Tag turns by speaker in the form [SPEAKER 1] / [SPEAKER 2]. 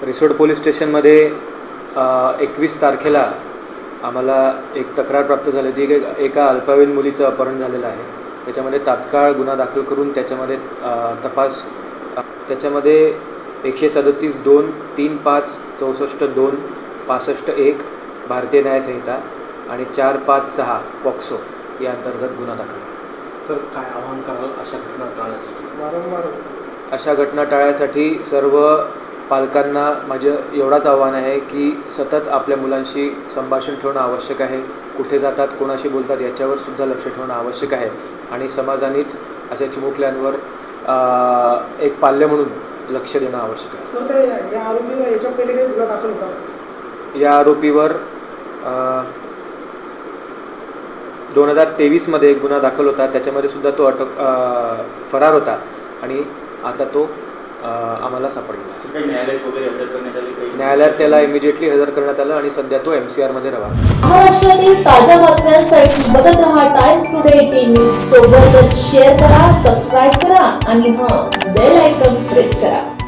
[SPEAKER 1] Risod police स्टेशनमध्ये 21 तारखेला आम्हाला एक तक्रार प्राप्त झाली होती की एका अल्पवयीन मुलीचं अपहरण झालेलं आहे. त्याच्यामध्ये तात्काळ गुन्हा दाखल करून त्याच्यामध्ये तपास त्याच्यामध्ये 137(2), 3(5), 64(2), 65(1) भारतीय न्याय संहिता आणि 456 पॉक्सो या अंतर्गत गुन्हा दाखल आहे.
[SPEAKER 2] सर, काय आवाहन कराल अशा घटना टाळण्यासाठी?
[SPEAKER 1] अशा घटना टाळण्यासाठी सर्व पालकांना माझं एवढाच आव्हान आहे की सतत आपल्या मुलांशी संभाषण ठेवणं आवश्यक आहे. कुठे जातात, कोणाशी बोलतात याच्यावर सुद्धा लक्ष ठेवणं आवश्यक आहे. आणि समाजानेच अशा चिमुकल्यांवर एक पाल्य म्हणून लक्ष देणं आवश्यक आहे.
[SPEAKER 3] सर, या आरोपीवर याच्या पहिले काही गुन्हा दाखल होता?
[SPEAKER 1] या आरोपीवर 2023 मध्ये एक गुन्हा दाखल होता. त्याच्यामध्ये सुद्धा तो फरार होता आणि आता तो आम्हाला सापडला. न्यायालयात त्याला इमिजिएटली हजर करण्यात आलं आणि सध्या तो MCR मध्ये रवाना.
[SPEAKER 4] महाराष्ट्रातील ताज्या बातम्यांसाठी बघत रहा टाइम्स टुडे टीव्ही. सोबतच शेअर करा, सबस्क्राईब करा आणि बेल आयकॉन प्रेस करा.